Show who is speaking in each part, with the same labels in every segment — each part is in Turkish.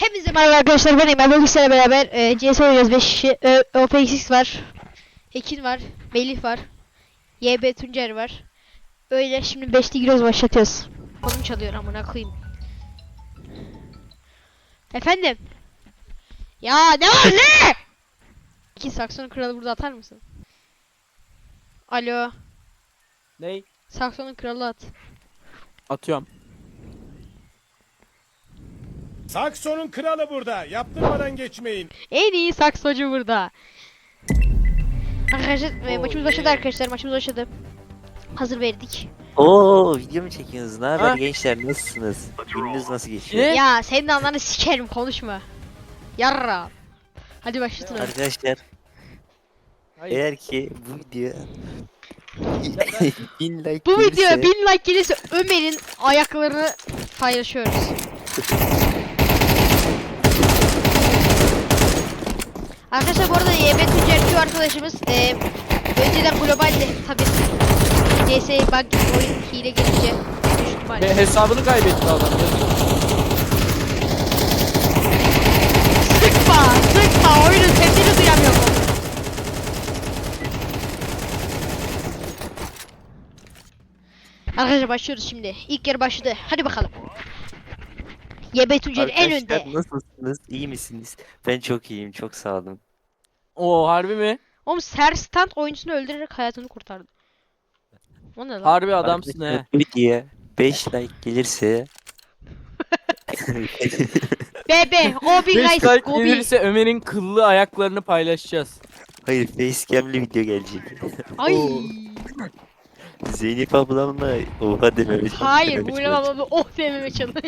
Speaker 1: Hepinize merhaba arkadaşlar, ben Emel. Bugün sizlerle beraber CS oynayacağız. 5 kişi. OPXX var, Ekin var, Melih var, YB Tuncer var. Öyle şimdi 5'te giriyoruz, başlatıyoruz. Konum çalıyor, amına koyayım. Efendim? Ya ne var ne? İki Sakson kralı burada atar mısın? Alo.
Speaker 2: Ney?
Speaker 1: Sakson'un kralı at.
Speaker 2: Atıyorum.
Speaker 3: Sakson'un kralı burada. Yaptırmadan geçmeyin.
Speaker 1: En iyi saksocu burada. Arkadaşlar maçımız başladı arkadaşlar. Maçımız başladı. Hazır verdik.
Speaker 4: Oo, video mu çekiyorsunuz? Ne haber
Speaker 2: Ha?
Speaker 4: gençler, nasılsınız? Gününüz nasıl geçiyor?
Speaker 2: Ne?
Speaker 1: Ya senin de anlarını sikerim, konuşma. Yarra. Hadi başlatın.
Speaker 4: Arkadaşlar,
Speaker 2: Hayır.
Speaker 4: eğer ki bu video 1000 like
Speaker 1: Bu
Speaker 4: gelirse
Speaker 1: video 1000 like gelirse Ömer'in ayaklarını paylaşıyoruz. Arkadaşlar bu arada YB Tuncerci arkadaşımız önceden globalde tabi CS bug oyun hile gelince düştü maalesef.
Speaker 2: Hesabını kaybetti adam.
Speaker 1: Sıkma oyunun sesini duyamıyorum. Arkadaşlar başlıyoruz şimdi. İlk yarı başladı. Hadi bakalım. YB Tuncer en önde.
Speaker 4: Arkadaşlar nasılsınız? İyi misiniz? Ben çok iyiyim, çok sağ olun.
Speaker 2: Oo, harbi mi?
Speaker 1: Oğlum Serstand oyuncusunu öldürerek hayatını kurtardı. O ne lan?
Speaker 2: Harbi adamsın
Speaker 4: Arkadaşlar,
Speaker 2: he.
Speaker 4: bu videoya 5 like gelirse
Speaker 1: Bebe, Gobi
Speaker 2: 5
Speaker 1: guys,
Speaker 2: like
Speaker 1: Gobi.
Speaker 2: gelirse Ömer'in kıllı ayaklarını paylaşacağız.
Speaker 4: hayır, facecam'li video gelecek.
Speaker 1: Ay.
Speaker 2: Oo.
Speaker 4: Zeynep ablamla oha dememe
Speaker 1: Hayır, bu
Speaker 4: challenge.
Speaker 1: ne baba, oh dememe challenge.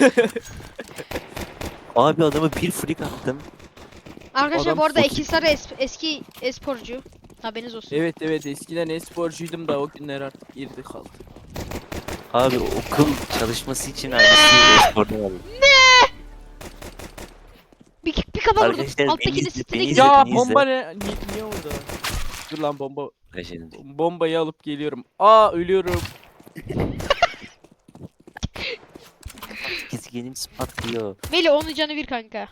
Speaker 4: Abi adamı bir flick attım.
Speaker 1: Arkadaşlar
Speaker 2: Adam
Speaker 1: bu arada
Speaker 4: sos-
Speaker 1: Ekin Sarı eski esporcu. Haberiniz olsun.
Speaker 2: Evet eskiden e-sporcuydum da o günler artık girdi kaldı.
Speaker 4: Abi okul çalışması için aynısı esporda aldım.
Speaker 1: Bir kafa vurdum.
Speaker 4: Arkadaşlar,
Speaker 1: Alttakini
Speaker 4: beni izle,
Speaker 1: sitine
Speaker 4: beni
Speaker 1: gidiyor.
Speaker 4: izle.
Speaker 2: Ya
Speaker 4: izle.
Speaker 2: bomba niye orada? Dur lan bomba.
Speaker 4: Arkadaşlar,
Speaker 2: Bombayı alıp geliyorum. Aa, ölüyorum.
Speaker 4: Gezgenim patlıyor.
Speaker 1: Meli onun canı bir kanka.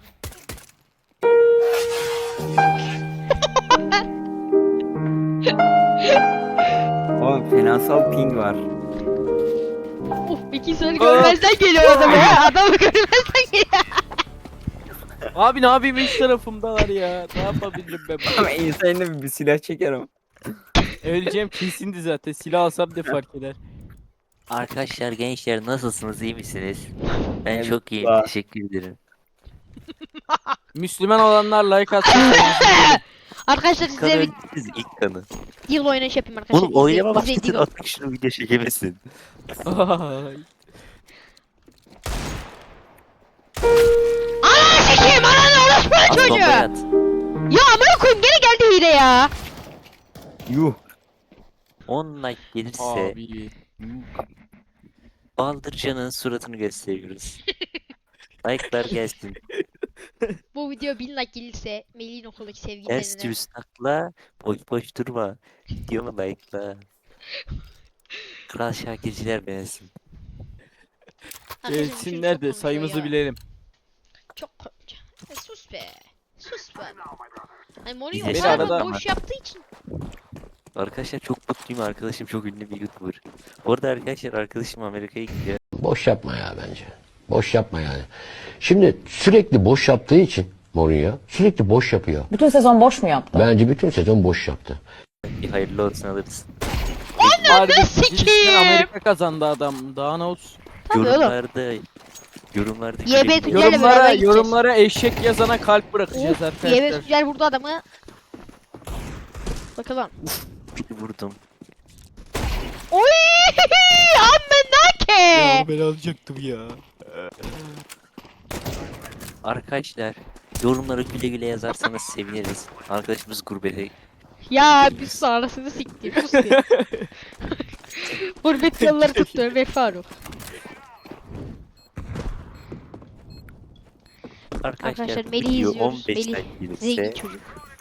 Speaker 5: Oğlum finansal ping var.
Speaker 1: Ekin Sarı görmezden geliyor adamı ya. Adamı görmezden geliyor.
Speaker 2: Abi ne yapayım, üç tarafımdalar ya. Ne yapabilirim ben?
Speaker 5: Ama insanla bir silah çekerim.
Speaker 2: Öleceğim kesindi zaten. Silah alsam ne fark eder?
Speaker 4: Arkadaşlar, gençler nasılsınız, iyi misiniz? Ben
Speaker 5: Evet,
Speaker 4: çok iyiyim,
Speaker 5: var.
Speaker 4: teşekkür ederim.
Speaker 2: Müslüman olanlar like atsın.
Speaker 1: Arkadaşlar
Speaker 4: İlk
Speaker 1: size
Speaker 4: kanı
Speaker 1: bir
Speaker 4: öldünüz, ilk kanı.
Speaker 1: deal oynayış yapayım arkadaşlar.
Speaker 4: Oğlum oynama
Speaker 1: İzleyin
Speaker 4: başlasın,
Speaker 1: deal.
Speaker 4: artık şunu video çekemesin.
Speaker 2: Ay.
Speaker 1: Ananı sikeyim, ananı orospu
Speaker 4: At
Speaker 1: çocuğu.
Speaker 4: bombayı at.
Speaker 1: Ya amına koyayım, gene geldi hile ya.
Speaker 5: Yuh.
Speaker 4: 10 like gelirse
Speaker 2: Abi.
Speaker 4: Baldırcan'ın suratını gösteriyoruz. Like'lar gelsin.
Speaker 1: Bu video 1000 like gelirse Melih'in okuldaki
Speaker 4: Ters
Speaker 1: sevgililerine.
Speaker 4: düz takla, boş boş durma. Videomu like'la. Kral Şakirciler beğensin.
Speaker 1: Arkadaşlar bu çocuk
Speaker 2: Gelsinler
Speaker 1: çok
Speaker 2: de
Speaker 1: konuşuyor
Speaker 2: sayımızı
Speaker 1: ya.
Speaker 2: bilelim.
Speaker 1: Çok konuşuyor. Sus be. Sus be. Hani Mourinho
Speaker 4: Beni
Speaker 1: o kadar
Speaker 2: arada-
Speaker 1: boş yaptığı için.
Speaker 4: Arkadaşlar çok mutluyum, arkadaşım çok ünlü bir YouTuber. Bu arada arkadaşlar, arkadaşım Amerika'ya gidiyor.
Speaker 6: Boş yapma ya bence. Boş yapma yani. Şimdi sürekli boş yaptığı için Mourinho sürekli boş yapıyor.
Speaker 7: Bütün sezon boş mu yaptı?
Speaker 6: Bence bütün sezon boş yaptı.
Speaker 4: Bir hayırlı olsun, alırız.
Speaker 2: Harbi
Speaker 1: sikeyim.
Speaker 2: girişten Amerika kazandı adam. Daha ne olsun.
Speaker 1: Tabii oğlum.
Speaker 4: Yorumlarda
Speaker 1: YB
Speaker 4: gülelim.
Speaker 1: Tuncer'le beraber
Speaker 2: Yorumlara,
Speaker 1: gideceğiz.
Speaker 2: yorumlara eşek yazana kalp bırakacağız
Speaker 1: Of,
Speaker 2: arkadaşlar.
Speaker 1: YB Tuncer vurdu adamı. Bakalım.
Speaker 4: Bir vurdum.
Speaker 1: Oy! Ammenake!
Speaker 2: ben alacaktım ya.
Speaker 4: Arkadaşlar, yorumlara güle güle yazarsanız seviniriz. Arkadaşımız gurbete.
Speaker 1: Ya bir sonrasını siktir. Sus bir. Gurbet yolları tuttu Ömer Faruk. Arkadaşlar Melih'i
Speaker 4: video
Speaker 1: izliyoruz.
Speaker 4: 15
Speaker 1: Melih
Speaker 4: like
Speaker 1: zengin
Speaker 4: gelirse
Speaker 1: çocuk.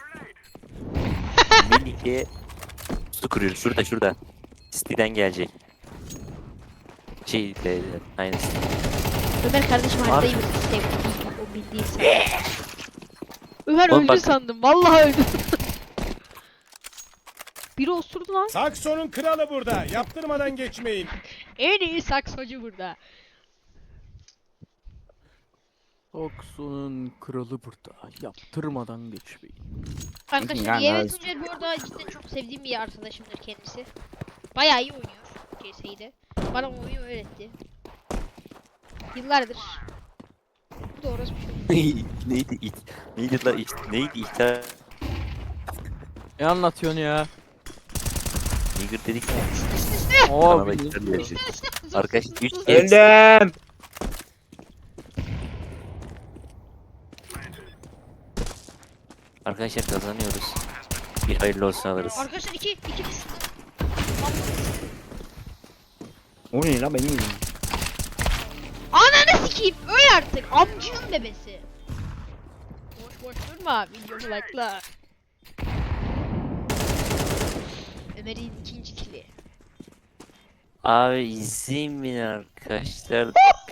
Speaker 4: Melih'e su kuruyoruz. Şurada. City'den gelecek. Aynısı.
Speaker 1: Ömer kardeşim
Speaker 4: Abi.
Speaker 1: haritayı sevdi. O bildi. değil sandım. Ömer
Speaker 4: Oğlum
Speaker 1: öldü
Speaker 4: bak-
Speaker 1: sandım. Vallahi öldü. Biri osurdu lan.
Speaker 3: Sakson'un kralı burada. Yaptırmadan geçmeyin.
Speaker 1: En iyi saksocu burada.
Speaker 2: Sakson'un kralı burada. Yaptırmadan geçmeyin.
Speaker 1: Arkadaşlar
Speaker 5: Yani
Speaker 1: Yevet
Speaker 5: evet.
Speaker 1: Tuncer bu arada cidden çok sevdiğim bir arkadaşımdır kendisi. Bayağı iyi oynuyor CS'yi. Bana oyunu öğretti. Yıllardır. Bu da orası bir şey.
Speaker 4: Neydi it? Neydi la it? Neydi ihtar?
Speaker 2: Ne anlatıyorsun ya?
Speaker 4: Nigger dedik ya.
Speaker 2: Abi
Speaker 4: Kanala
Speaker 2: ne
Speaker 4: ihtar
Speaker 2: diyor?
Speaker 4: geldi. Arkadaşlar 3 kez.
Speaker 5: Öldüm.
Speaker 4: Arkadaşlar kazanıyoruz. Bir hayırlı olsun alırız.
Speaker 1: Arkadaşlar iki düştü.
Speaker 5: O ne lan benim yüzüm.
Speaker 1: Ananı sikeyim öl artık amcının bebesi. Boş boş durma videomu like'la. Ömer'in ikinci kili.
Speaker 4: Abi izin verin arkadaşlar.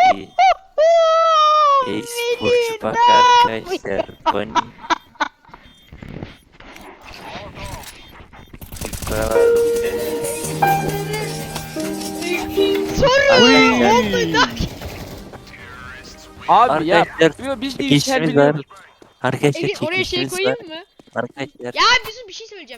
Speaker 4: E-sporcu bak arkadaşlar. Bani.
Speaker 1: Soruyorum
Speaker 4: Arkadaşlar-
Speaker 1: oldu da.
Speaker 2: Abi ya.
Speaker 4: Arkadaşlar
Speaker 2: Yo, biz de
Speaker 4: çekilişimiz
Speaker 2: İlker
Speaker 4: var.
Speaker 2: biliyorduk.
Speaker 4: Arkadaşlar
Speaker 1: Ege oraya şey
Speaker 4: çekilişimiz var.
Speaker 1: koyayım mı?
Speaker 4: Arkadaşlar.
Speaker 1: Ya bir şey söyleyeceğim.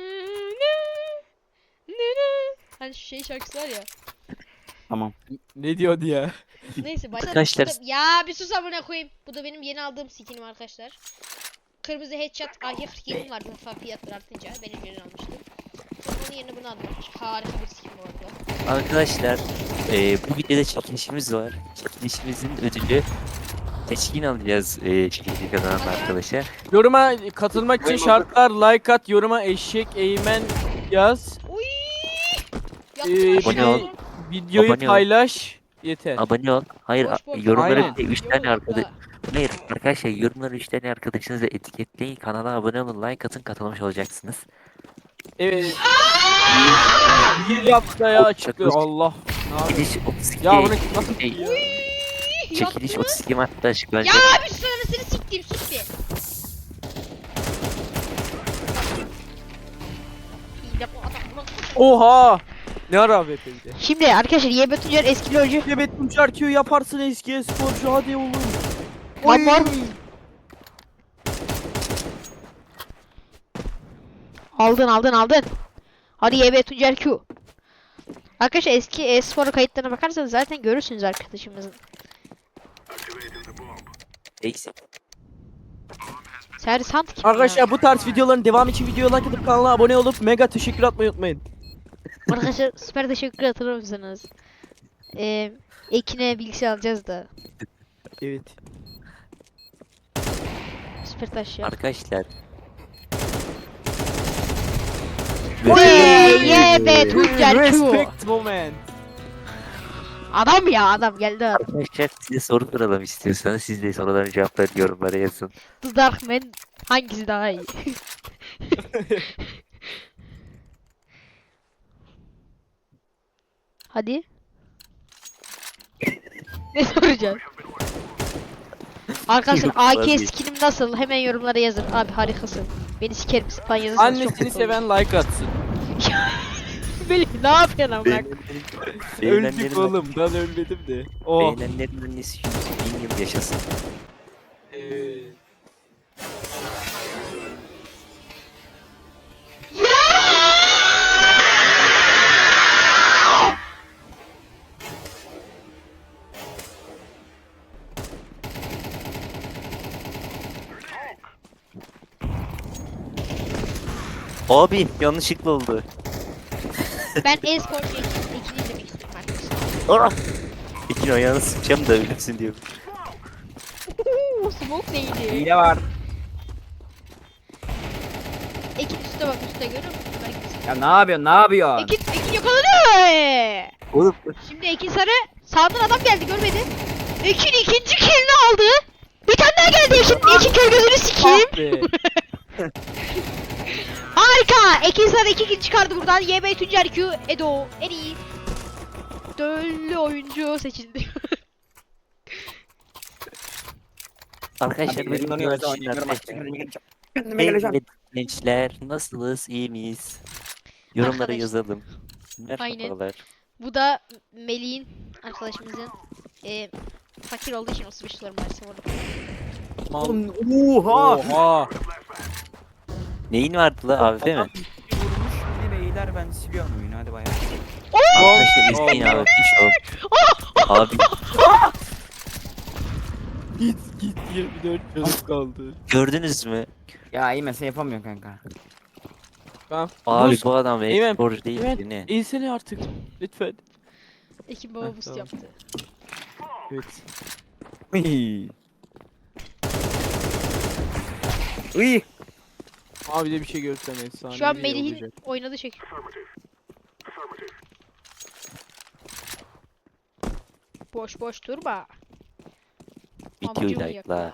Speaker 1: Hani şu şey şarkısı var ya.
Speaker 5: Tamam.
Speaker 2: Ne diyordu ya?
Speaker 1: Neyse başla.
Speaker 4: Arkadaşlar-
Speaker 1: Ya bir sus amına koyayım. Bu da benim yeni aldığım skinim arkadaşlar. Kırmızı headshot AK-47 vardı fiyatlar artınca. Ben önceden almıştım. Onun yerine bunu aldım. Harika bir skin bu arada.
Speaker 4: Arkadaşlar bu videoda çekilişimiz var. Çekilişimizin ödülü seçkin alacağız çekilişi kazanan arkadaşa.
Speaker 2: Yoruma katılmak için şartlar like at, yoruma eşek eğmen yaz.
Speaker 1: Uy!
Speaker 4: Abone ol.
Speaker 2: Videoyu
Speaker 4: Abone ol.
Speaker 2: paylaş. Yeter.
Speaker 4: Abone ol. Hayır
Speaker 1: Boş boş.
Speaker 4: yorumlara
Speaker 2: Aynen.
Speaker 4: bir de 3 tane arkadaş. Hayır arkadaşlar yorumlara 3 tane arkadaşınızı etiketleyin. Kanala abone olun. Like atın katılmış olacaksınız.
Speaker 2: Evet. Bir haftaya açıklıyor. Allah. Ne yapayım?
Speaker 4: Çekiliş 32
Speaker 2: Ya bunu nasıl
Speaker 4: Ey,
Speaker 2: ya?
Speaker 4: çekiliş 32 Mart'ta açıklanacak.
Speaker 1: Ya abi şu anasını siktim sus bir. İyi de bu adam buna-
Speaker 2: Oha. Ne ara AWP bir de.
Speaker 1: Şimdi arkadaşlar YB Tuncer eski LoL'cü.
Speaker 2: Evet Tunçer Q yaparsın eski sporcu hadi oğlum.
Speaker 1: Lan var. Aldın. Hadi YB Tuncer Q. Arkadaşlar eski e-spor kayıtlarına bakarsanız zaten görürsünüz arkadaşımızın.
Speaker 4: Eksik.
Speaker 1: Sersant kim
Speaker 2: Arkadaşlar bu tarz videoların devamı için videoya like atıp kanala abone olup mega teşekkür atmayı unutmayın.
Speaker 1: ya? Arkadaşlar süper teşekkür hatırlar mısınız? Ekin'e bilgisayar alacağız da.
Speaker 2: Evet.
Speaker 1: Süper taş ya.
Speaker 4: Arkadaşlar.
Speaker 1: YB Tuncer Q.
Speaker 2: Respect moment.
Speaker 1: Adam ya adam geldi adam.
Speaker 4: Arkadaşlar size soru soralım istiyorsanız siz de soruların cevaplarını yorumlara yazın.
Speaker 1: The Darkman hangisi daha iyi? Hadi. Ne soracağız? Arkadaşlar
Speaker 4: Yok,
Speaker 1: AK
Speaker 4: vazgeç.
Speaker 1: skinim nasıl? Hemen yorumlara yazın. Abi harikasın. Beni sikerim falan yazarsanız çok
Speaker 2: Annesini
Speaker 1: mutlu olurum.
Speaker 2: seven like atsın.
Speaker 1: Melih ne yapıyorsun amına?
Speaker 2: Öldük oğlum ben ölmedim de. Oh.
Speaker 4: Beğenenlerin annesi 100.000 yıl yaşasın. Abi yanlışlıkla oldu.
Speaker 1: Ben e-spor ekini izlemek istiyorum arkadaşlar.
Speaker 4: Ah! İkin ayağını sıkacağım da ölürsün diyor.
Speaker 1: Smoke neydi?
Speaker 5: Hile var.
Speaker 1: Ekin üstte bak üstte görüyor musun? Ömer gibisin.
Speaker 5: Ya ne yapıyorsun?
Speaker 1: Ekin yakaladı.
Speaker 4: Oğlum
Speaker 1: Şimdi Ekin Sarı sağdan adam geldi görmedi. Ekin ikinci killini aldı. Bir tane daha geldi Ekin kör gözünü sikeyim.
Speaker 2: Ah be.
Speaker 1: Harika. Ekin Sarı 2 kill çıkardı buradan. YB Tuncer Q Edo en iyi döllü oyuncu seçildi.
Speaker 4: Arkadaşlar
Speaker 5: Abi
Speaker 4: bir
Speaker 5: elimden
Speaker 4: videolar
Speaker 5: oynuyorsa
Speaker 4: için
Speaker 5: oynayacağım.
Speaker 4: arkadaşlar.
Speaker 5: Kendime geleceğim.
Speaker 4: Evet gençler nasılsınız iyi miyiz? Yorumlara
Speaker 1: Arkadaşlar.
Speaker 4: yazalım.
Speaker 1: Aynen.
Speaker 4: Merhabalar.
Speaker 1: Bu da Melih'in arkadaşımızın fakir olduğu için 35 dolar maalesef orada.
Speaker 2: Mal.
Speaker 5: Oha.
Speaker 2: Oha.
Speaker 4: Neyin vardı la AWP mi?
Speaker 5: Vurmuş yine beyler ben siliyorum oyunu hadi bayağı.
Speaker 4: Arkadaşlar izleyin abi bir şov. Abi
Speaker 2: Git 24 çocuk kaldı.
Speaker 4: gördünüz mü?
Speaker 5: Ya iyi mesela yapamıyorum kanka.
Speaker 2: Tamam.
Speaker 4: Abi
Speaker 2: Boost.
Speaker 4: bu adam
Speaker 2: Eymen,
Speaker 4: e-spor değil
Speaker 2: Eymen.
Speaker 4: ki ne?
Speaker 2: İnsene artık. Lütfen.
Speaker 1: Ekim baba
Speaker 2: Heh,
Speaker 1: boost
Speaker 2: tamam.
Speaker 1: yaptı.
Speaker 2: Evet.
Speaker 5: Uy. Uy.
Speaker 2: Abi de bir şey görsem efsane.
Speaker 1: Şu an
Speaker 2: bir
Speaker 1: Melih'in
Speaker 2: olacak.
Speaker 1: oynadığı şey. Boş boş durma.
Speaker 4: Videoyu
Speaker 1: Amcım
Speaker 4: like'la.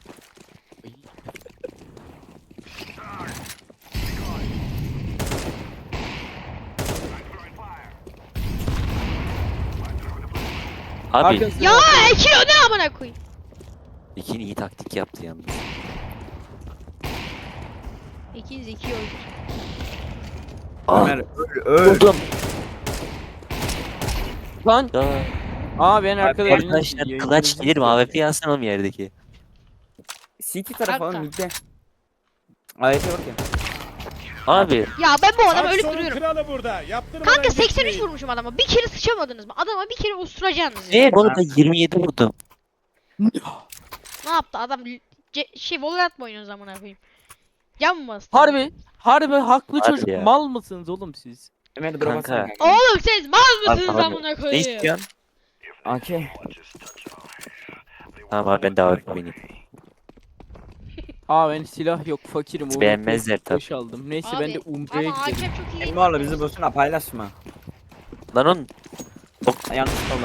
Speaker 4: Abi
Speaker 2: Arkadaşlar-
Speaker 1: Ya Ekin o ne amına koyayım.
Speaker 4: Ekin iyi taktik yaptı yalnız.
Speaker 1: Ekin zeki oyuncu.
Speaker 5: Ömer öl.
Speaker 4: Buldum.
Speaker 2: Lan.
Speaker 4: Ya,
Speaker 2: Aa ben arkada
Speaker 4: arkadaşlar clutch gelir mi? AWP yazsana oğlum yerdeki.
Speaker 5: CT tarafı
Speaker 1: Kanka.
Speaker 5: oğlum midde. AYT yok ya.
Speaker 4: Abi
Speaker 1: Ya ben bu adamı ölüp
Speaker 3: Aksiyonun
Speaker 1: duruyorum.
Speaker 3: kralı burada. Yaptırmadan
Speaker 1: Kanka 83
Speaker 3: geçmeyin.
Speaker 1: vurmuşum adama. Bir kere sıçamadınız mı? Adama bir kere usturacaksınız ya.
Speaker 4: ne bu arada 27 vurdum.
Speaker 1: Ne yaptı adam? Valorant mı oynuyorsunuz amına koyayım? Can mı bastı?
Speaker 2: Harbi haklı
Speaker 4: Harbi
Speaker 2: çocuk.
Speaker 4: ya.
Speaker 2: Mal mısınız oğlum siz?
Speaker 5: Ömer drop
Speaker 4: Kanka.
Speaker 5: atsana kanka.
Speaker 1: Oğlum siz mal mısınız
Speaker 4: Abi,
Speaker 1: amına
Speaker 4: ne
Speaker 1: koyayım?
Speaker 4: istiyorsun?
Speaker 5: AK.
Speaker 4: Tamam abi ben de AWP oynayayım.
Speaker 2: Aa ben silah yok fakirim. O
Speaker 4: Beğenmezler tabii.
Speaker 2: Boş aldım. Neyse
Speaker 1: Abi,
Speaker 2: ben de Umre'ye
Speaker 1: ama
Speaker 2: gidelim.
Speaker 1: hakem çok iyi değil.
Speaker 5: Emre oğlum bizi boşuna paylaşma.
Speaker 4: Lan on.
Speaker 5: Yanlış oldu.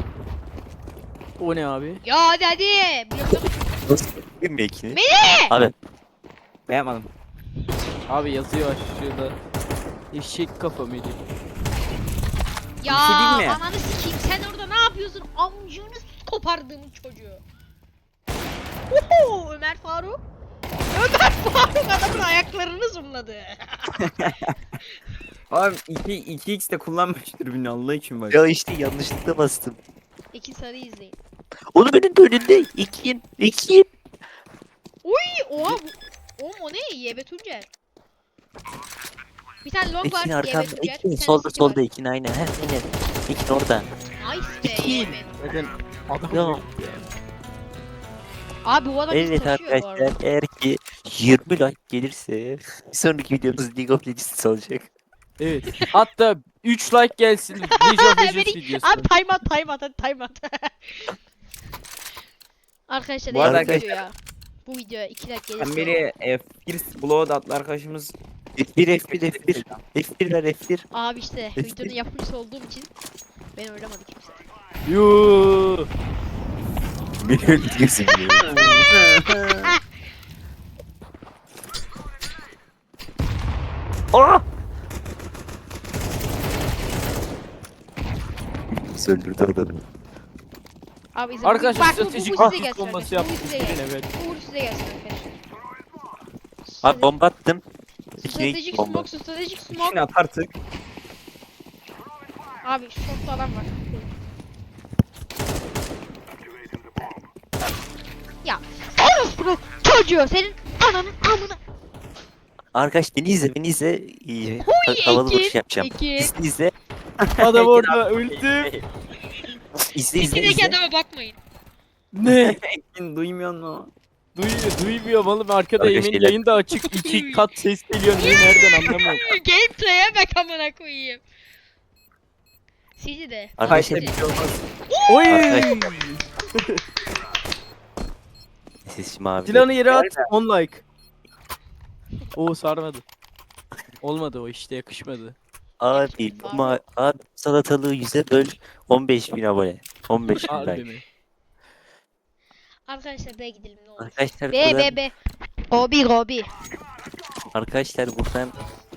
Speaker 2: O ne abi?
Speaker 1: Ya hadi. Bloklama.
Speaker 4: Bir mi Ekin'i?
Speaker 1: Melih!
Speaker 4: Abi
Speaker 5: Beğenmedim.
Speaker 2: Abi yazıyor aşağıda. Eşek kafa Melih.
Speaker 1: Ya
Speaker 5: Bir şey diyeyim mi?
Speaker 1: ananı sikeyim sen orada ne yapıyorsun? Amcını kopardığım çocuğu. Oho Ömer Faruk. Ömer Faruk adamın ayaklarını zoomladı.
Speaker 5: Oğlum 2x de kullanmıştır beni Allah için bak.
Speaker 4: ya işte yanlışlıkla bastım.
Speaker 1: İki sarıyı izleyin.
Speaker 4: Oğlum önünde önünde. Ekin.
Speaker 1: Uy oha oğlum o ne? YB Tuncer. Bir tane long var.
Speaker 4: Ekin
Speaker 1: YB
Speaker 4: arkanda.
Speaker 1: Tuncer. bir
Speaker 4: Ekin
Speaker 1: tane
Speaker 4: solda
Speaker 1: City var.
Speaker 4: solda Ekin aynen. Heh aynen. Ekin orada.
Speaker 1: Nice be
Speaker 2: Ekin.
Speaker 1: YB.
Speaker 2: Zaten adam
Speaker 4: Ya.
Speaker 2: yok.
Speaker 1: Abi bu adam bizi
Speaker 4: Evet
Speaker 1: taşıyor bu arada.
Speaker 4: arkadaşlar eğer ki 20 like gelirse bir sonraki videomuz League of Legends olacak.
Speaker 2: Evet. Hatta 3 like gelsin. League of Legends
Speaker 1: Melih,
Speaker 2: videosu.
Speaker 1: Abi time out hadi time out. Arkadaşlar
Speaker 5: Bu arada
Speaker 1: bu videoya. Bu videoya 2 like gelirse.
Speaker 5: Ben biri First Blood adlı arkadaşımız
Speaker 4: F1 ver F1.
Speaker 1: Abi işte videonun yapımcısı olduğum için ben oynamadı kimse.
Speaker 2: Yuuu.
Speaker 4: Beni öldürüyorsun ya. Aa! Söndürdü adamı.
Speaker 1: Abi izle.
Speaker 2: Arkadaşlar
Speaker 1: Bak,
Speaker 2: stratejik
Speaker 1: bu size
Speaker 2: akıl
Speaker 1: gelsin
Speaker 2: bombası
Speaker 1: arkadaşlar. Bu
Speaker 2: yaptık.
Speaker 1: size gelsin.
Speaker 2: Evet.
Speaker 1: Bu size gelsin arkadaşlar.
Speaker 4: Abi bomba attım.
Speaker 1: Stratejik
Speaker 4: bomba.
Speaker 1: stratejik
Speaker 5: İçine
Speaker 1: smoke.
Speaker 5: at artık.
Speaker 1: Abi short'ta adam var. Ya orospu çocuğu senin ananın amına.
Speaker 4: Arkadaş beni izle beni izle. İyi.
Speaker 1: Huy,
Speaker 4: Havalı
Speaker 1: Ekin,
Speaker 4: vuruş yapacağım.
Speaker 1: Ekin.
Speaker 4: İzle izle.
Speaker 2: Adam orada öldü.
Speaker 4: İzle izle
Speaker 1: İçindeki
Speaker 4: izle.
Speaker 1: adama bakmayın.
Speaker 2: Ne?
Speaker 5: Ekin duymuyor mu?
Speaker 2: Duymuyor oğlum arkada
Speaker 4: Arkadaş,
Speaker 2: Emin
Speaker 4: şeyler-
Speaker 2: yayın da açık 2 kat ses geliyor niye nereden anlamıyorum.
Speaker 1: Gameplay'e bak amına koyayım. Sizi de.
Speaker 4: Arkadaşlar
Speaker 5: Hayır bir şey olmaz.
Speaker 2: Oy!
Speaker 4: Arkadaş- sesim abi.
Speaker 2: Silahını yere at 10 like. Oo sarmadı. Olmadı o işte yakışmadı.
Speaker 4: Abi ama abi salatalığı 100'e böl 15.000 abone. 15.000
Speaker 2: Harbi
Speaker 4: like.
Speaker 2: mi?
Speaker 1: Arkadaşlar B'ye gidelim ne olur.
Speaker 4: Arkadaşlar
Speaker 1: B
Speaker 4: buradan,
Speaker 1: B B. Gobi Gobi.
Speaker 4: arkadaşlar buradan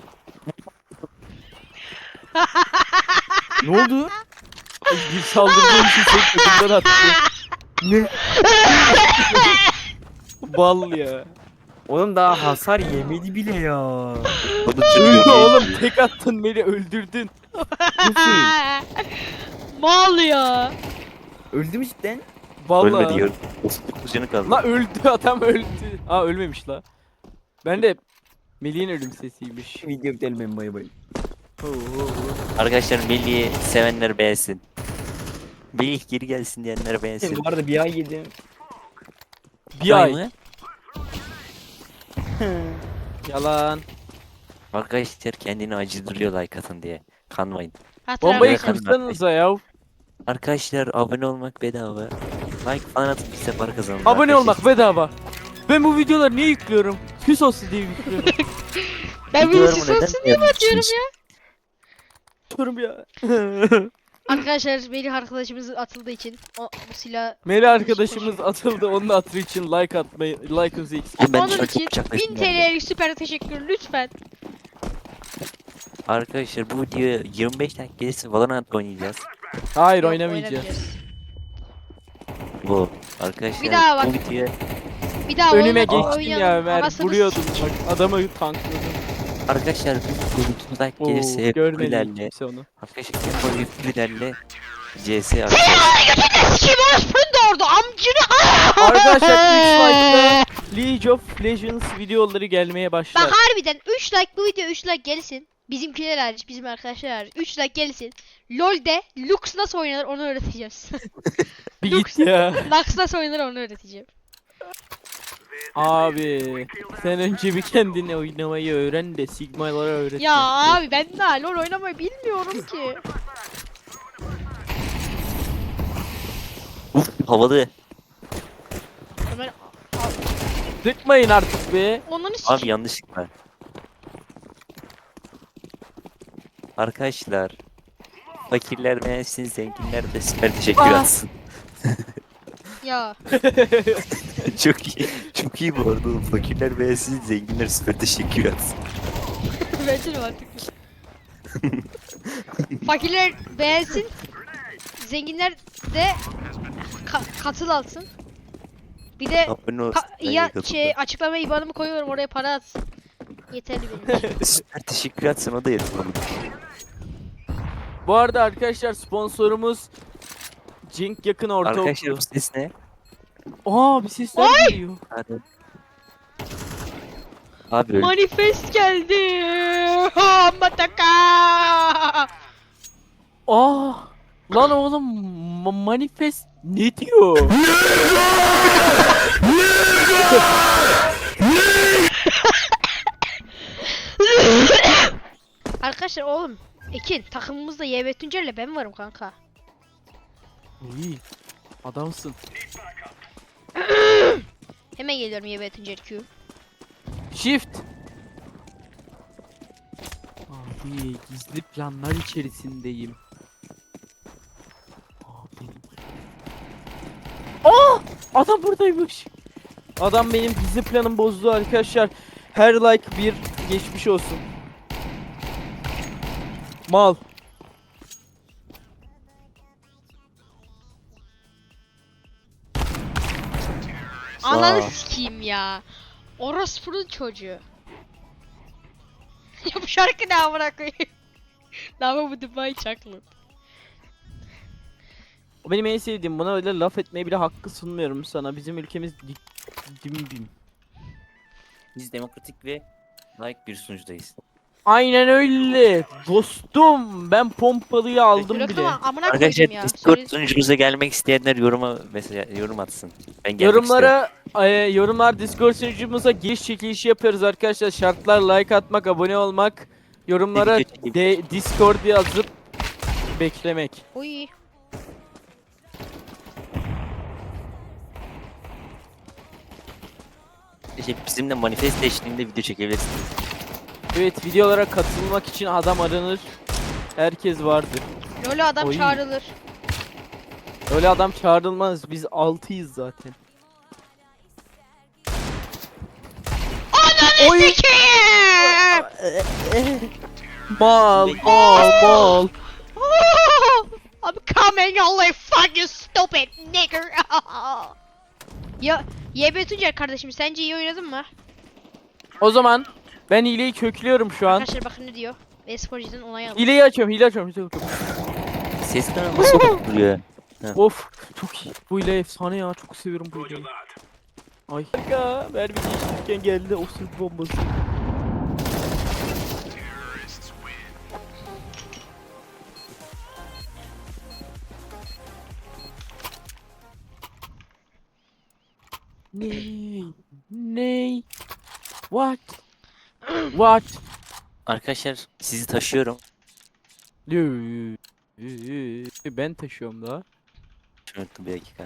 Speaker 5: Ne oldu?
Speaker 2: Bir saldırdığım için seni kötüden attı. Bal ya.
Speaker 5: Oğlum daha hasar yemedi bile ya.
Speaker 2: Öldü oğlum, tek attın beni öldürdün.
Speaker 1: Mal ya.
Speaker 5: Öldü mü cidden?
Speaker 2: Vallahi.
Speaker 4: Ölmedi ya. 39 canı kaldı.
Speaker 2: La öldü, adam öldü. Aa ölmemiş la. Ben de Melih'in ölüm sesiymiş.
Speaker 5: Video bitelim ben bay bay.
Speaker 4: Arkadaşlar Melih'i sevenler beğensin. Melih geri gelsin diyenler beğensin.
Speaker 5: Bu arada bir ay yedim.
Speaker 2: Bir ay.
Speaker 4: mı?
Speaker 2: Yalan.
Speaker 4: Arkadaşlar kendini acıdırıyor like atın diye. Kanmayın.
Speaker 2: Bombayı
Speaker 4: Yakın
Speaker 2: kırsanıza ya.
Speaker 4: Arkadaşlar abone olmak bedava. Like falan atıp biz de para kazanalım.
Speaker 2: Abone
Speaker 4: arkadaşlar.
Speaker 2: olmak bedava. Ben bu videoları niye yüklüyorum? Küs olsun diye yüklüyorum.
Speaker 1: Ben bir
Speaker 4: Videolarımı
Speaker 1: sus
Speaker 4: neden
Speaker 1: olsun diye mi atıyorum
Speaker 4: beğenmiyorsunuz?
Speaker 1: ya?
Speaker 2: Diyorum ya.
Speaker 1: Arkadaşlar Melih arkadaşımız atıldığı için bu silah
Speaker 2: Melih arkadaşımız atıldı, onun hatırı için like atmayı, like'ınızı eksik.
Speaker 4: Ben
Speaker 1: onun
Speaker 4: şu an
Speaker 1: için
Speaker 4: çok bıçaklaştım
Speaker 1: 1000
Speaker 4: ben de.
Speaker 1: TL'lik süper teşekkür lütfen.
Speaker 4: Arkadaşlar bu videoya 25 dakika gelirse Valorant oynayacağız.
Speaker 2: Hayır,
Speaker 1: Yok,
Speaker 2: oynamayacağız.
Speaker 4: Bu arkadaşlar
Speaker 1: Bir daha bak.
Speaker 4: bu videoya
Speaker 1: Bir daha
Speaker 2: Önüme
Speaker 1: oynayalım,
Speaker 2: geçtin ya
Speaker 1: oynayalım.
Speaker 2: Ömer,
Speaker 1: Anasını
Speaker 2: vuruyordun
Speaker 1: sikeyim.
Speaker 2: bak, adamı tankladım.
Speaker 4: arkadaşlar bu video 30 like
Speaker 2: Oo,
Speaker 4: gelirse hep
Speaker 2: görmedi
Speaker 4: kulilerle
Speaker 2: kimse onu.
Speaker 4: arkadaşlar hep böyle kulilerle CS atacağız.
Speaker 1: Sikeyim orospunun doğurdu amcını.
Speaker 2: Arkadaşlar 3 like'da League of Legends videoları gelmeye başlar.
Speaker 1: Bak harbiden 3 like bu video 3 like gelsin. Bizimkiler hariç, bizim arkadaşlar hariç 3 like gelsin. LoL'de Lux nasıl oynanır onu öğreteceğiz.
Speaker 2: Bir git ya.
Speaker 1: Lux nasıl oynanır onu öğreteceğim.
Speaker 2: Abi sen önce bir kendini oynamayı öğren de Sigma'lara öğret.
Speaker 1: Ya abi ben daha LoL oynamayı bilmiyorum ki.
Speaker 4: Uf havalı.
Speaker 1: Ömer
Speaker 2: Sıkmayın artık be.
Speaker 1: onları
Speaker 4: Abi
Speaker 1: sikeyim.
Speaker 4: yanlışlıkla. Arkadaşlar fakirler beğensin, zenginler de süper teşekkür
Speaker 2: Ah.
Speaker 4: atsın.
Speaker 1: Ya
Speaker 4: Çok iyi. Çok iyi bu arada oğlum. Fakirler beğensin, zenginler süper teşekkür atsın.
Speaker 1: bence de mantıklı. Fakirler beğensin. Zenginler de katıl alsın. Bir de
Speaker 4: Abone olsun.
Speaker 1: ya açıklama IBAN'ımı koyuyorum oraya para atsın. Yeterli benim için.
Speaker 4: Süper teşekkür atsın o da yeter oğlum.
Speaker 2: Bu arada arkadaşlar sponsorumuz Cenk Yakın
Speaker 4: Arkadaşlar
Speaker 2: Ortaokulu.
Speaker 4: bu ses ne?
Speaker 2: Aa bir sesler geliyor.
Speaker 4: Hadi. Abi öyle.
Speaker 1: Manifest geldi. Mataka.
Speaker 2: Aa lan oğlum manifest ne diyor?
Speaker 1: Arkadaşlar oğlum Ekin takımımızda YB Tuncer'le ben varım kanka.
Speaker 2: İyi. Adamsın.
Speaker 1: Hemen geliyorum YB Tuncer Q.
Speaker 2: Shift. Abi gizli planlar içerisindeyim. Abi. Aa! Adam buradaymış. Adam benim gizli planımı bozdu arkadaşlar. Her like bir geçmiş olsun. Mal.
Speaker 1: Ananı sikeyim ya. Orospu'nun çocuğu. Ya bu şarkı ne amına koyayım? Lava bu Dubai Chocolate.
Speaker 2: O benim en sevdiğim. Buna öyle laf etmeye bile hakkı sunmuyorum sana. Bizim ülkemiz dim.
Speaker 4: Biz demokratik ve like bir sunucudayız.
Speaker 2: Aynen öyle. Dostum ben pompalıyı aldım bile.
Speaker 1: Bırakın amına
Speaker 4: Arkadaşlar
Speaker 1: koyayım ya.
Speaker 4: Discord sunucumuza gelmek isteyenler yoruma mesela yorum atsın. Ben gelmek istiyorum.
Speaker 2: Yorumlar Discord sunucumuza giriş çekilişi yapıyoruz arkadaşlar. Şartlar like atmak, abone olmak, yorumlara
Speaker 4: Video çekilişi.
Speaker 2: Discord yazıp beklemek.
Speaker 1: Uy.
Speaker 4: İşte bizimle manifest eşliğinde video çekebilirsiniz.
Speaker 2: Evet, videolara katılmak için adam aranır. Herkes vardır.
Speaker 1: LoL'e adam
Speaker 2: Oy.
Speaker 1: çağrılır.
Speaker 2: Öyle adam çağrılmaz. Biz 6'yız zaten.
Speaker 1: Ananı
Speaker 2: Oy.
Speaker 1: sikeyim!
Speaker 2: Mal.
Speaker 1: I'm coming only fuck you stupid nigger. Ya YB Tuncer kardeşim sence iyi oynadın mı?
Speaker 2: O zaman ben hileyi köklüyorum şu an.
Speaker 1: Arkadaşlar bakın ne diyor. Esporcu'dan onay alın.
Speaker 2: Hileyi açıyorum, hile açıyorum.
Speaker 4: Ses kanalı nasıl duruyor?
Speaker 2: Of, çok iyi. Bu hile efsane ya. Çok seviyorum bu hileyi. Ay. Harika. Mermi geçtirirken geldi o sırf bombası. Ney? Ney? What? What?
Speaker 4: Arkadaşlar sizi taşıyorum.
Speaker 2: Ben taşıyorum daha.
Speaker 4: Şunu unuttum bir dakika.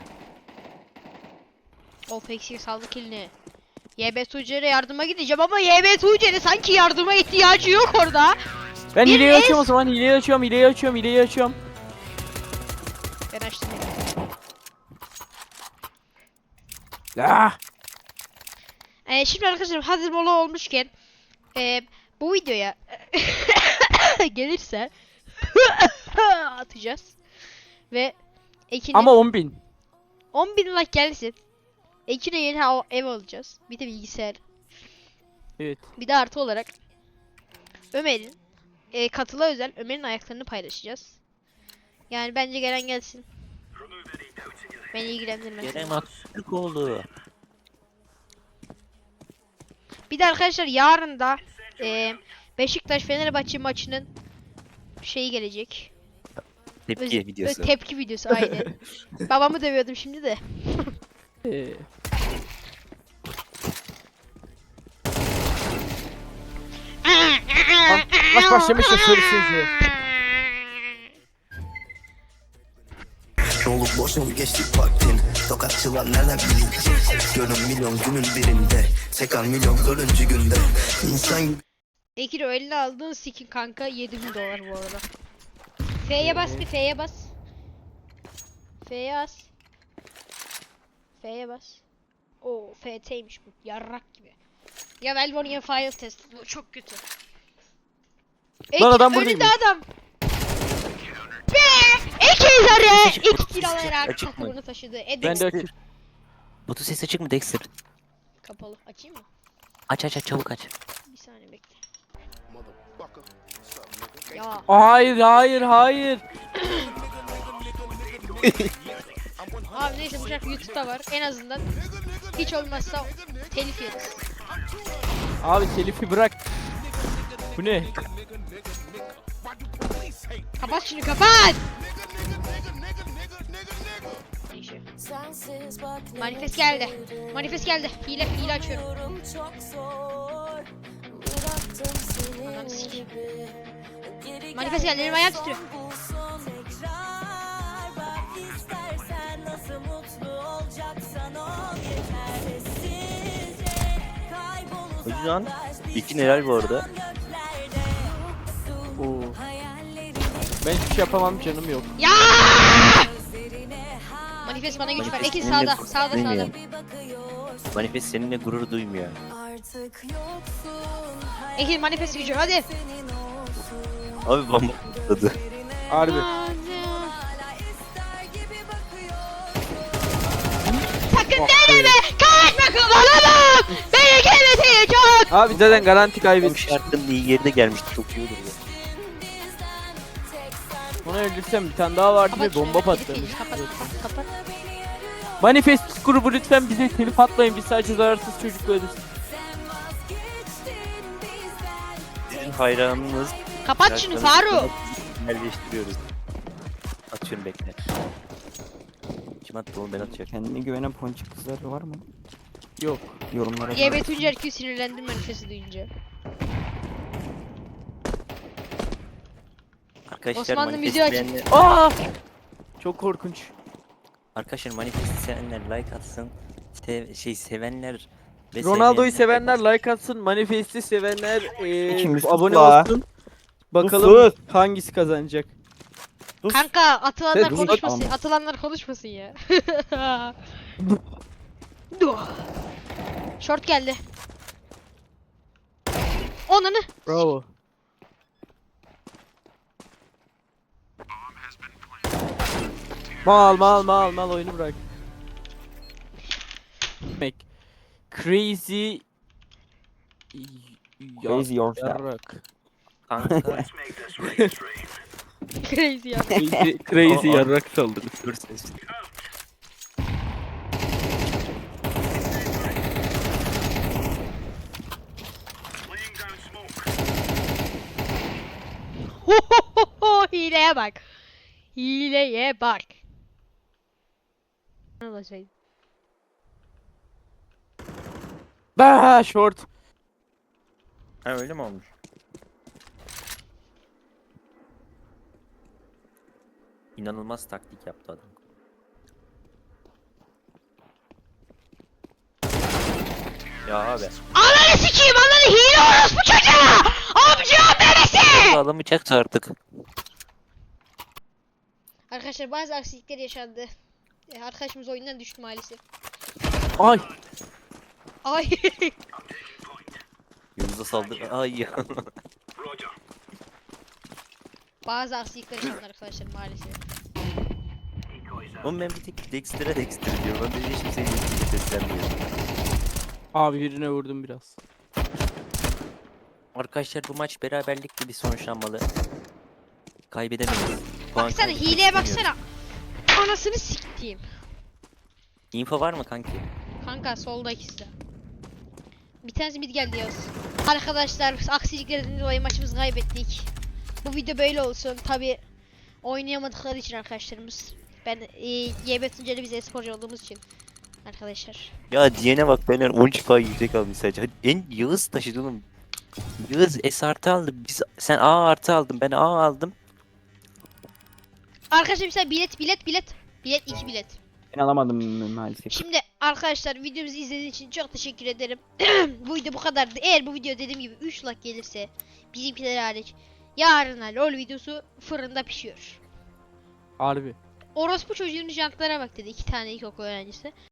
Speaker 1: Of eksik saldı kilini. YB Tuncer'e yardıma gideceğim ama YB Tuncer'e sanki yardıma ihtiyacı yok orada.
Speaker 2: Ben
Speaker 1: Bir
Speaker 2: hileyi
Speaker 1: es-
Speaker 2: açıyorum o zaman. Hileyi açıyorum, hileyi açıyorum, hileyi açıyorum.
Speaker 1: Ben açtım.
Speaker 2: Ah!
Speaker 1: Şimdi arkadaşlar hazır mola olmuşken bu videoya gelirse atacağız. Ve Ekin'e
Speaker 2: Ama 10.000.
Speaker 1: 10.000 like gelsin. Ekin'e yeni ev alacağız. Bir de bilgisayar.
Speaker 2: Evet.
Speaker 1: Bir de artı olarak Ömer'in katıla özel Ömer'in ayaklarını paylaşacağız. Yani bence gelen gelsin. Beni ilgilendirmez.
Speaker 4: Gelen haksızlık oldu.
Speaker 1: Bir de arkadaşlar yarın da Beşiktaş Fenerbahçe maçının şeyi gelecek.
Speaker 4: Tepki videosu.
Speaker 1: Tepki videosu aynen. Babamı dövüyordum şimdi de.
Speaker 2: Ee, Maç başlamış da söylesinize.
Speaker 7: Olup boşa mı geçtik vaktin? Tokatçılar neler bilecek? Gönül milyon günün birinde, sekan milyon dördüncü günde. İnsan gibi
Speaker 1: Ekir o eline aldığın skin kanka 7.000 dolar bu arada. F'ye bas bir F'ye bas. F'ye bas. F'ye bas. Oo FT'ymiş bu. Yarrak gibi. Ya Velvonian File Test. Bu çok kötü.
Speaker 2: Lan adam
Speaker 1: önünde
Speaker 2: buradaymış.
Speaker 1: adam. Be! Ekizlere!
Speaker 4: Açık,
Speaker 1: İlk
Speaker 4: açık,
Speaker 1: kiralayarak
Speaker 4: açık mı?
Speaker 1: takımını taşıdı.
Speaker 2: Ben
Speaker 1: Edex
Speaker 2: de açıyorum.
Speaker 4: Botu ses açık mı Dexter?
Speaker 1: kapalı. Açayım mı?
Speaker 4: Aç çabuk aç.
Speaker 1: Bir saniye bekle. Ya
Speaker 2: Hayır, hayır, hayır.
Speaker 1: abi neyse bu şarkı YouTube'da var. En azından hiç olmazsa telif yeriz.
Speaker 2: Abi telifi bırak. Bu ne?
Speaker 1: Kapat şunu kapat. Neyse. Manifest geldi. Manifest geldi. Hile açıyorum. Ananı sikeyim. Manifest geldi. Benim ayağım titriyor.
Speaker 4: O yüzden iki neler bu arada?
Speaker 2: Oo. Ben hiçbir şey yapamam, canım yok.
Speaker 1: Ya! Manifest bana güç ver.
Speaker 4: Manifest
Speaker 1: Ekin
Speaker 4: seninle
Speaker 1: sağda.
Speaker 4: gurur
Speaker 1: Sağda sağda.
Speaker 4: duymuyor. Manifest seninle gurur duymuyor.
Speaker 1: Ekin manifest gücü hadi.
Speaker 4: Abi bomba patladı.
Speaker 2: Harbi.
Speaker 1: Sakın deneme. Kaçma kullanamam. Beni kendisi çok.
Speaker 2: Abi zaten garanti
Speaker 4: Bu
Speaker 2: kaybetmiş.
Speaker 4: şarkının iyi yerine gelmişti. Çok iyi olur ya.
Speaker 2: Onu öldürsem bir tane daha vardı ve
Speaker 1: Kapat şunu,
Speaker 2: bomba
Speaker 1: bak, telif
Speaker 2: patlamış.
Speaker 1: yeriz. Kapat.
Speaker 2: Manifest grubu lütfen bize telif atmayın. Biz sadece zararsız çocuklarız.
Speaker 4: Sizin hayranınız.
Speaker 1: Kapat şunu Faruk.
Speaker 4: Yerleştiriyoruz. Atıyorum bekle. Kim attı onu ben atıyorum.
Speaker 5: Kendine güvenen ponçik kızlar var mı?
Speaker 2: Yok.
Speaker 5: Yorumlara
Speaker 1: YB Tuncer Q sinirlendim manifesti duyunca.
Speaker 4: Arkadaşlar
Speaker 1: Osmanlı müziği
Speaker 4: manifest
Speaker 1: açık.
Speaker 4: beğenler...
Speaker 2: Aa! Çok korkunç.
Speaker 4: Arkadaşlar manifest sevenler like atsın. Sevenler ve
Speaker 2: Ronaldo'yu
Speaker 4: sevmeyenler
Speaker 2: sevenler like atsın. Manifest'i sevenler
Speaker 5: İkimiz
Speaker 2: abone
Speaker 5: tutla.
Speaker 2: olsun. Bakalım
Speaker 5: Sus.
Speaker 2: hangisi kazanacak.
Speaker 1: Kanka atılanlar
Speaker 2: Ses-
Speaker 1: konuşmasın.
Speaker 5: Tamam.
Speaker 1: Atılanlar konuşmasın ya. Short geldi. Onunu.
Speaker 2: Bravo. Mal oyunu bırak. Demek. Crazy
Speaker 5: Crazy yourself.
Speaker 2: yarrak.
Speaker 4: Kanka.
Speaker 1: Crazy ya.
Speaker 2: Crazy yarrak saldırısı.
Speaker 4: Dur ses.
Speaker 1: Hileye bak. Hileye bak. Ne olacak?
Speaker 2: Bah short.
Speaker 4: Ha öyle mi olmuş? İnanılmaz taktik yaptı adam. Ya abi.
Speaker 1: Ananı sikeyim, ananı hile orospu çocuğu! Amca bebesi!
Speaker 4: Adam bıçak artık.
Speaker 1: Arkadaşlar bazı aksilikler yaşandı. Arkadaşımız oyundan düştü maalesef.
Speaker 2: Ay.
Speaker 1: Ay.
Speaker 4: Yıldız'a saldır. Ay ya.
Speaker 1: Bazı aksilikler yaşandı arkadaşlar maalesef.
Speaker 4: Oğlum ben bir tek Dexter'a Dexter diyorum. Ben de hiç kimseye Dexter'e seslenmiyorum.
Speaker 2: Abi birine vurdum biraz.
Speaker 4: Arkadaşlar bu maç beraberlikle bir sonuçlanmalı. Kaybedemeyiz. Puan
Speaker 1: Baksana
Speaker 4: kaybetmek
Speaker 1: hileye
Speaker 4: istemiyorum.
Speaker 1: baksana. Anasını siktiğim.
Speaker 4: Info var mı kanki?
Speaker 1: Kanka solda ikisi de. Bir tanesi mid geldi yaz. Arkadaşlar aksiliklerden dolayı maçımızı kaybettik. Bu video böyle olsun. Tabi oynayamadıkları için arkadaşlarımız. Ben YB Tuncer'de biz esporcu olduğumuz için. Arkadaşlar.
Speaker 4: Ya diyene bak benden 13k yüksek almış sadece. Hadi en Yağız taşıdı oğlum. Yağız S artı aldı. Sen A artı aldın. Ben A aldım.
Speaker 1: Arkadaşlar mesela bilet. Bilet 2 bilet.
Speaker 5: Ben alamadım maalesef.
Speaker 1: Şimdi arkadaşlar videomuzu izlediğiniz için çok teşekkür ederim. Bu video bu kadardı. Eğer bu video dediğim gibi 3 like gelirse bizimkiler hariç yarına LOL videosu fırında pişiyor.
Speaker 2: Harbi.
Speaker 1: Orospu çocuğunun jantlara bak dedi 2 tane ilkokul öğrencisi.